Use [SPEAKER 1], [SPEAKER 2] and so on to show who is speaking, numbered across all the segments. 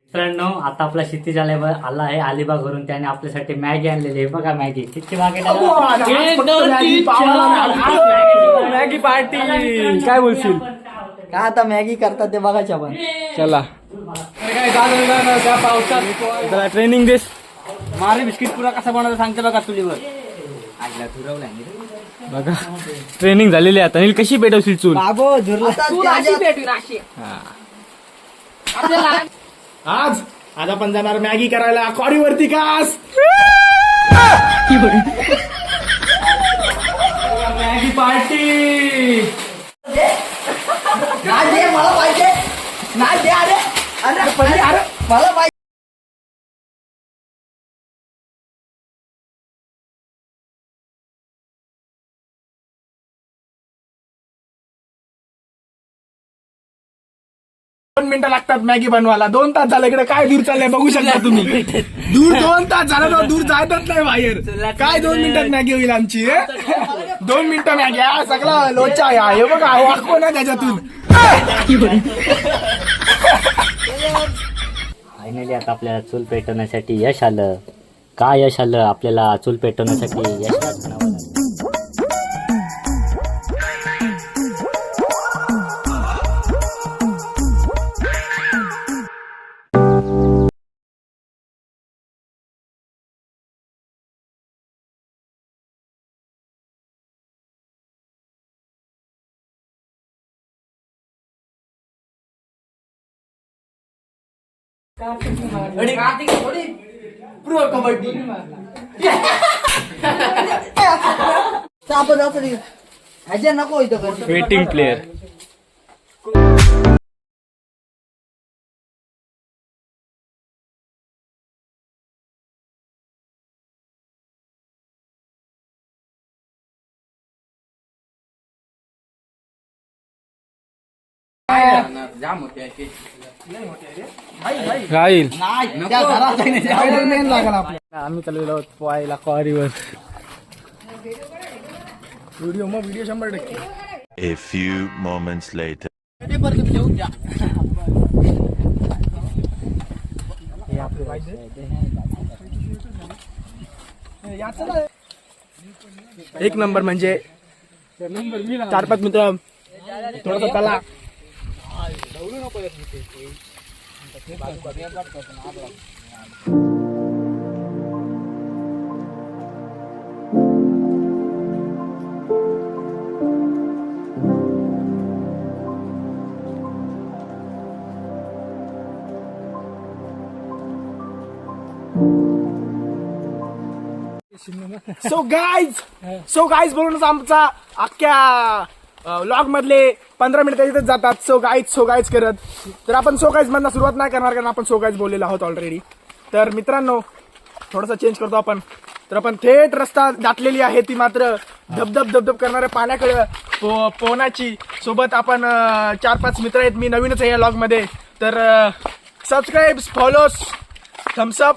[SPEAKER 1] मित्रांनो आता आपला क्षितिज आला आहे अलिबागवरून. त्याने आपल्यासाठी मॅगी आणलेली आहे. बघा मॅगी किती मागे
[SPEAKER 2] मॅगी पार्टी काय बोलशील?
[SPEAKER 3] का आता मॅगी करतात ते बघायच्या पण.
[SPEAKER 2] चला त्या पावसात ट्रेनिंग दिस
[SPEAKER 3] मारे बिस्किट पुरा कसा बनवता सांगते बघा चुलीवर.
[SPEAKER 2] बघा ट्रेनिंग झालेली आहे. आता नील कशी पेटवशील चूल?
[SPEAKER 3] बाबो झुरला
[SPEAKER 4] आज आपण जाणार मॅगी करायला कॉडीवरती कास.
[SPEAKER 2] मॅगी पार्टी
[SPEAKER 3] नाही दे मला पाहिजे. नाही दे अरे अरे मला पाहिजे.
[SPEAKER 4] दोन मिनिटं लागतात मॅगी बनवायला. 2 तास झालं इकडे काय दूर चाललंय बघू शकता तुम्ही. दूर 2 तास झालं तर दूर जायतच नाही बाहेर. काय 2 मिनिटात मॅगी होईल आमची? 2 मिनिटं मॅगी हा सगळा लोचा आहे. हे बघा वाकव ना त्याच्यातून.
[SPEAKER 1] फायनली आता आपल्याला चूल पेटवण्यासाठी यश आलं. काय यश आलं आपल्याला चूल पेटवण्यासाठी? यशच म्हणावं लागेल.
[SPEAKER 3] प्रो कबड्डी ह्याच्या नको इथं.
[SPEAKER 2] वेटिंग प्लेयर राहील.
[SPEAKER 4] आम्ही चाललेलो आहोत पोहायला कॉरीवर. Video 100%.
[SPEAKER 5] A few moments later.
[SPEAKER 4] एक नंबर म्हणजे 4-5 मित्र थोडस त्याला सो गाईज बोलूनच आमचा अख्ख्या व्लॉग मधले 15 मिनिटं इथेच जातात. सो गाईज करत तर आपण सो गाईज मधनं सुरुवात नाही करणार कारण आपण सो गाईज बोललेलो आहोत ऑलरेडी. तर मित्रांनो थोडंसं चेंज करतो आपण. तर आपण थेट रस्ता दाटलेली आहे ती मात्र धबधब करणाऱ्या पाण्याकडे पोहण्याची. सोबत आपण 4-5 मित्र आहेत. मी नवीनच आहे या व्लॉग मध्ये. तर subscribe follow thumbs up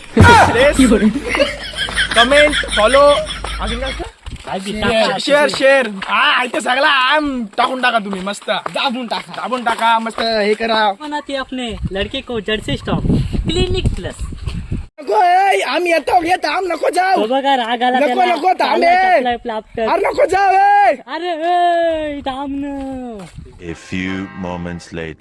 [SPEAKER 4] comment follow अजून काय असतं? शेअर हा इथे सगळा टाकून टाका तुम्ही. मस्त दाबून टाका मस्त हे करा.
[SPEAKER 1] बनाती अपने लड़के को जर्सी स्टॉप क्लिनिक प्लस.
[SPEAKER 4] नको आम्ही येतो येत आम नको जाऊ.
[SPEAKER 1] तो बघा राग आला
[SPEAKER 4] नको
[SPEAKER 1] त्याला.
[SPEAKER 4] नको थांब
[SPEAKER 1] चाललाय प्लाप्टर.
[SPEAKER 4] अरे नको जाऊ.
[SPEAKER 1] अरे थांब ना.
[SPEAKER 5] A few moments later.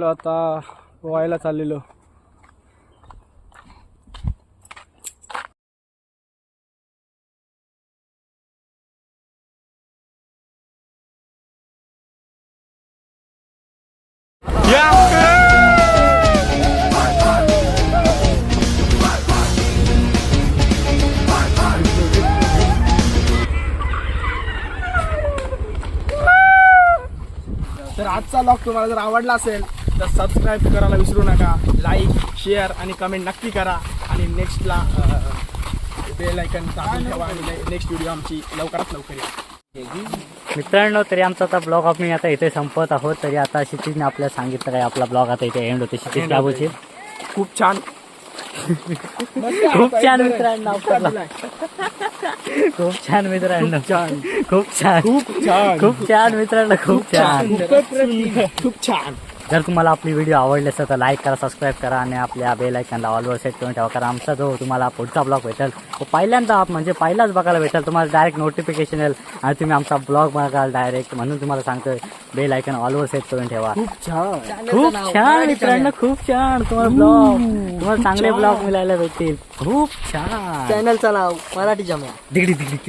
[SPEAKER 4] आता पोहायला चाललेलो. तर आजचा ब्लॉग तुम्हाला जर आवडला असेल तर सबस्क्राईब करायला विसरू नका. लाईक, शेअर आणि कमेंट नक्की करा. आणि नेक्स्टला बेल आयकन दाबून ठेवा. आणि नेक्स्ट व्हिडिओ आमची लवकरात लवकर येईल.
[SPEAKER 1] मित्रांनो, तरी आमचा आता ब्लॉग आम्ही आता इथे संपत आहोत. तरी आता क्षितिजने आपल्याला सांगितलं काय आपला ब्लॉग आता इथे एंड होते. क्षितिज काय बोलशील?
[SPEAKER 4] खूप छान
[SPEAKER 1] खूप छान मित्रांनो, खूप छान मित्रांनो, खूप छान
[SPEAKER 4] खूप छान
[SPEAKER 1] खूप छान मित्रांनो, खूप छान.
[SPEAKER 4] खूप छान.
[SPEAKER 1] जर तुम्हाला आपली व्हिडिओ आवडली असेल तर लाईक करा, सबस्क्राईब करा आणि आपल्या बेल आयकनला ऑलवर सेट करून ठेवा. कारण आमचा जो तुम्हाला पुढचा ब्लॉग भेटेल तो पहिल्यांदा म्हणजे पहिलाच बघायला भेटेल. तुम्हाला डायरेक्ट नोटिफिकेशन येईल आणि तुम्ही आमचा ब्लॉग बघाल डायरेक्ट. म्हणून तुम्हाला सांगतोय बेल आयकन ऑलवर सेट करून ठेवा.
[SPEAKER 4] खूप छान.
[SPEAKER 1] खूप छान मित्रांनो, खूप छान. तुम्हाला ब्लॉग तुम्हाला चांगले ब्लॉग मिळायला भेटतील. खूप छान.
[SPEAKER 3] चॅनलचं नाव मराठी जम्या.
[SPEAKER 1] दिगडी दिगडी